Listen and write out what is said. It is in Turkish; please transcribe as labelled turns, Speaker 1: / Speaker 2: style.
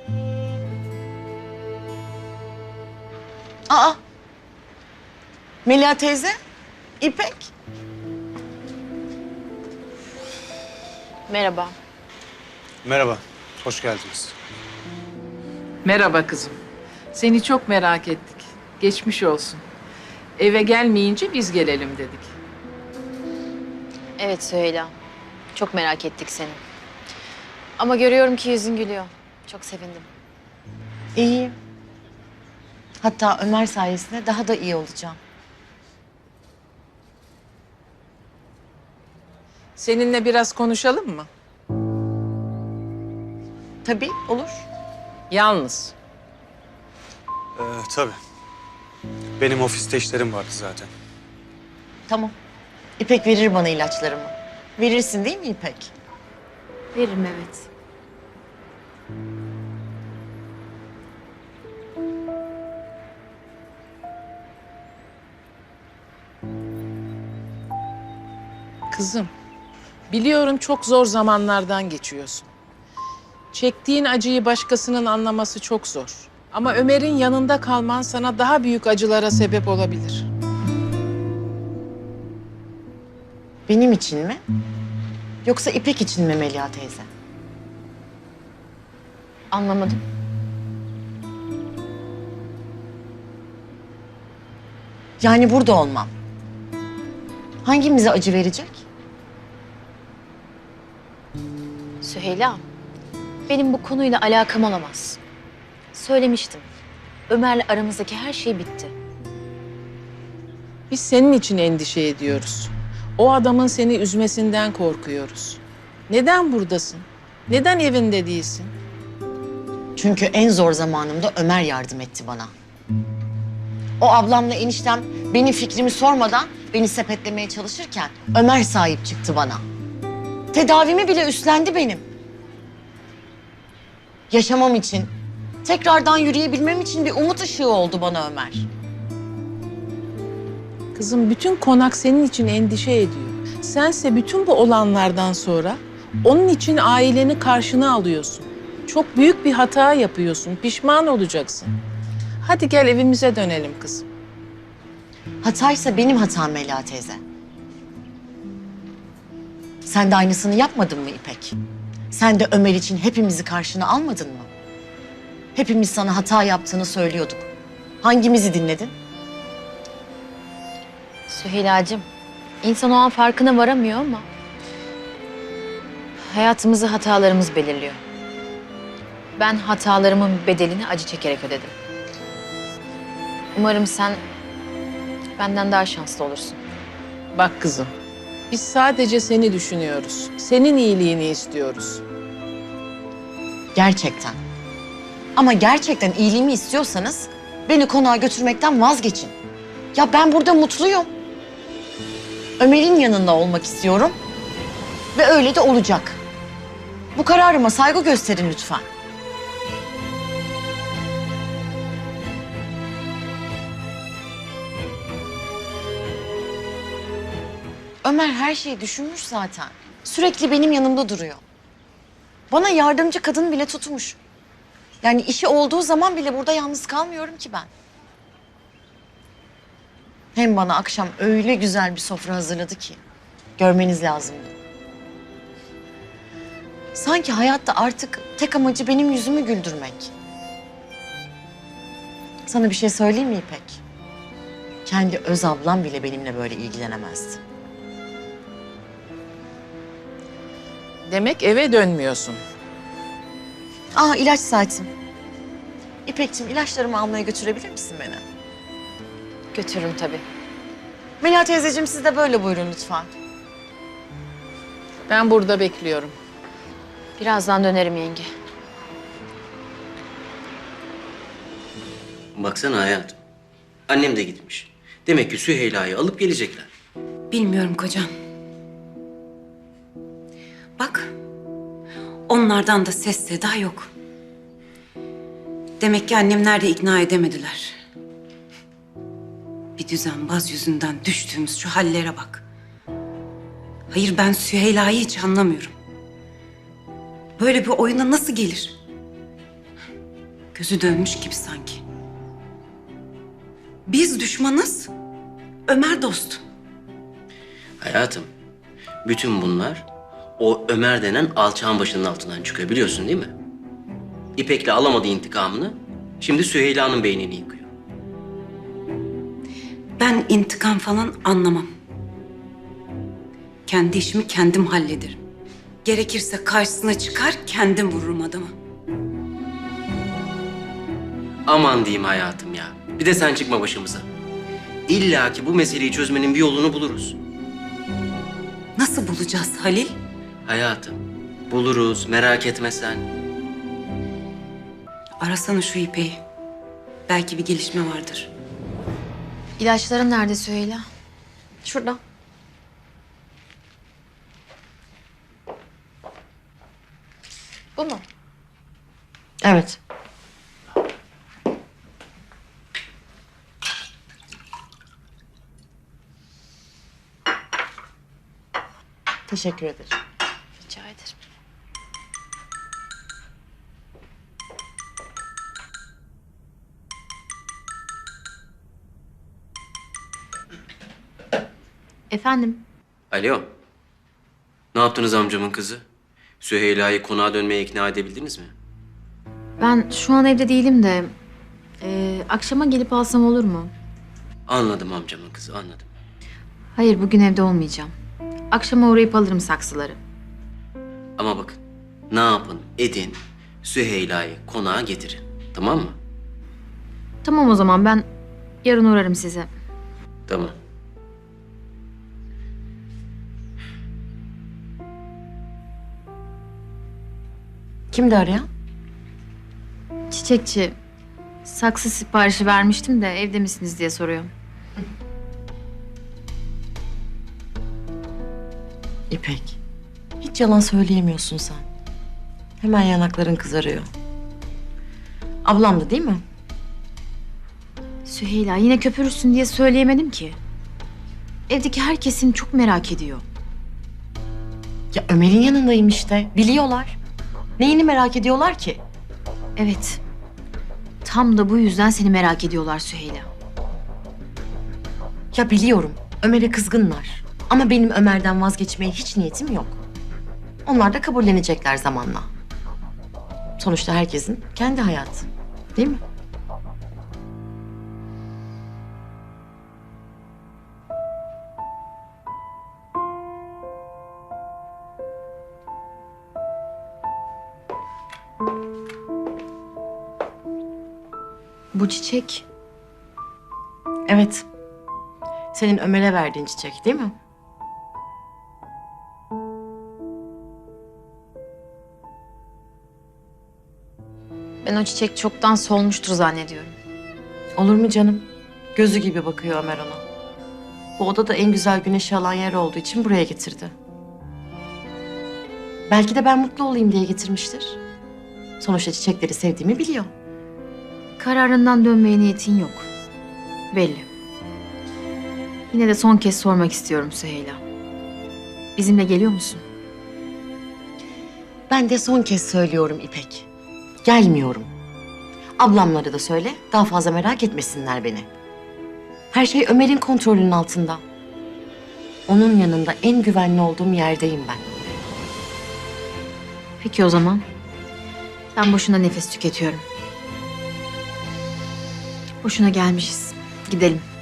Speaker 1: Aa! Melia teyze, İpek.
Speaker 2: Merhaba.
Speaker 3: Merhaba, hoş geldiniz.
Speaker 4: Merhaba kızım. Seni çok merak ettik. Geçmiş olsun. Eve gelmeyince biz gelelim dedik.
Speaker 2: Evet Süheyla. Çok merak ettik seni. Ama görüyorum ki yüzün gülüyor. Çok sevindim.
Speaker 1: İyiyim. Hatta Ömer sayesinde daha da iyi olacağım.
Speaker 4: Seninle biraz konuşalım mı?
Speaker 1: Tabii, olur.
Speaker 4: Yalnız.
Speaker 3: Tabii. Benim ofiste işlerim vardı zaten.
Speaker 1: Tamam. İpek verir bana ilaçlarımı. Verirsin değil mi İpek?
Speaker 2: Veririm evet.
Speaker 4: Kızım, biliyorum çok zor zamanlardan geçiyorsun. Çektiğin acıyı başkasının anlaması çok zor. Ama Ömer'in yanında kalman sana daha büyük acılara sebep olabilir.
Speaker 1: Benim için mi? Yoksa İpek için mi Melia teyze?
Speaker 2: Anlamadım.
Speaker 1: Yani burada olmam. Hangimize acı verecek?
Speaker 2: Süheyla, benim bu konuyla alakam olamaz. Söylemiştim. Ömer'le aramızdaki her şey bitti.
Speaker 4: Biz senin için endişe ediyoruz. O adamın seni üzmesinden korkuyoruz. Neden buradasın? Neden evinde değilsin?
Speaker 1: Çünkü en zor zamanımda Ömer yardım etti bana. O ablamla eniştem benim fikrimi sormadan beni sepetlemeye çalışırken Ömer sahip çıktı bana. Tedavimi bile üstlendi benim. Yaşamam için, tekrardan yürüyebilmem için bir umut ışığı oldu bana Ömer.
Speaker 4: Kızım bütün konak senin için endişe ediyor. Sense bütün bu olanlardan sonra onun için aileni karşına alıyorsun. Çok büyük bir hata yapıyorsun. Pişman olacaksın. Hadi gel evimize dönelim kızım.
Speaker 1: Hataysa benim hatam Melia teyze. Sen de aynısını yapmadın mı İpek? Sen de Ömer için hepimizi karşına almadın mı? Hepimiz sana hata yaptığını söylüyorduk. Hangimizi dinledin?
Speaker 2: Süheyla'cığım, insan o an farkına varamıyor ama... hayatımızı hatalarımız belirliyor. Ben hatalarımın bedelini acı çekerek ödedim. Umarım sen benden daha şanslı olursun.
Speaker 4: Bak kızım, biz sadece seni düşünüyoruz. Senin iyiliğini istiyoruz.
Speaker 1: Gerçekten. Ama gerçekten iyiliğimi istiyorsanız beni konağa götürmekten vazgeçin. Ya ben burada mutluyum. Ömer'in yanında olmak istiyorum ve öyle de olacak. Bu kararıma saygı gösterin lütfen. Ömer her şeyi düşünmüş zaten. Sürekli benim yanımda duruyor. Bana yardımcı kadın bile tutmuş. Yani işi olduğu zaman bile burada yalnız kalmıyorum ki ben. Hem bana akşam öyle güzel bir sofra hazırladı ki. Görmeniz lazımdı. Sanki hayatta artık tek amacı benim yüzümü güldürmek. Sana bir şey söyleyeyim mi İpek? Kendi öz ablam bile benimle böyle ilgilenemezdi.
Speaker 4: Demek eve dönmüyorsun.
Speaker 1: Aa ilaç saatim. İpekciğim ilaçlarımı almaya götürebilir misin beni?
Speaker 2: Götürürüm tabii.
Speaker 1: Melia teyzeciğim siz de böyle buyurun lütfen.
Speaker 4: Ben burada bekliyorum.
Speaker 2: Birazdan dönerim yenge.
Speaker 5: Baksana hayatım. Annem de gitmiş. Demek ki Süheyla'yı alıp gelecekler.
Speaker 6: Bilmiyorum kocam. Bak, onlardan da ses seda yok. Demek ki annemler de ikna edemediler. Bir düzenbaz yüzünden düştüğümüz şu hallere bak. Hayır ben Süheyla'yı hiç anlamıyorum. Böyle bir oyuna nasıl gelir? Gözü dönmüş gibi sanki. Biz düşmanız, Ömer dost.
Speaker 5: Hayatım, bütün bunlar o Ömer denen alçağın başının altından çıkıyor biliyorsun değil mi? İpek'le alamadığı intikamını şimdi Süheyla'nın beynini yıkıyor.
Speaker 6: Ben intikam falan anlamam. Kendi işimi kendim hallederim. Gerekirse karşısına çıkar kendim vururum adamı.
Speaker 5: Aman diyeyim hayatım ya. Bir de sen çıkma başımıza. İlla ki bu meseleyi çözmenin bir yolunu buluruz.
Speaker 6: Nasıl bulacağız Halil?
Speaker 5: Hayatım, buluruz merak etme sen.
Speaker 6: Arasana şu İpek'i. Belki bir gelişme vardır.
Speaker 2: İlaçların nerede Süheyla?
Speaker 1: Şurada.
Speaker 2: Bu mu?
Speaker 1: Evet. Teşekkür ederim.
Speaker 2: Rica ederim. Efendim?
Speaker 5: Alo. Ne yaptınız amcamın kızı? Süheyla'yı konağa dönmeye ikna edebildiniz mi?
Speaker 2: Ben şu an evde değilim de akşama gelip alsam olur mu?
Speaker 5: Anladım amcamın kızı, anladım.
Speaker 2: Hayır, bugün evde olmayacağım. Akşama uğrayıp alırım saksıları.
Speaker 5: Ama bakın, ne yapın, edin, Süheyla'yı konağa getirin. Tamam mı?
Speaker 2: Tamam o zaman ben yarın uğrarım size.
Speaker 5: Tamam.
Speaker 1: Kimdi arayan?
Speaker 2: Çiçekçi, saksı siparişi vermiştim de evde misiniz diye soruyor.
Speaker 1: İpek. Hiç yalan söyleyemiyorsun sen. Hemen yanakların kızarıyor. Ablamdı değil mi?
Speaker 2: Süheyla yine köpürürsün diye söyleyemedim ki. Evdeki herkesin çok merak ediyor.
Speaker 1: Ya Ömer'in yanındayım işte. Biliyorlar. Neyini merak ediyorlar ki?
Speaker 2: Evet. Tam da bu yüzden seni merak ediyorlar Süheyla.
Speaker 1: Ya biliyorum. Ömer'e kızgınlar. Ama benim Ömer'den vazgeçmeye hiç niyetim yok. Onlar da kabullenecekler zamanla. Sonuçta herkesin kendi hayatı. Değil mi?
Speaker 2: Bu çiçek
Speaker 1: Evet. Senin Ömer'e verdiğin çiçek değil mi?
Speaker 2: ben o çiçek çoktan solmuştur zannediyorum.
Speaker 1: Olur mu canım? Gözü gibi bakıyor Ömer ona. Bu oda da en güzel güneşi alan yer olduğu için buraya getirdi. Belki de ben mutlu olayım diye getirmiştir. Sonuçta çiçekleri sevdiğimi biliyor.
Speaker 2: Kararından dönmeye niyetin yok. Belli. Yine de son kez sormak istiyorum Süheyla. Bizimle geliyor musun?
Speaker 1: Ben de son kez söylüyorum İpek. Gelmiyorum. Ablamlara da söyle, daha fazla merak etmesinler beni. Her şey Ömer'in kontrolünün altında. Onun yanında en güvenli olduğum yerdeyim ben.
Speaker 2: Peki o zaman. Ben boşuna nefes tüketiyorum. Boşuna gelmişiz. Gidelim.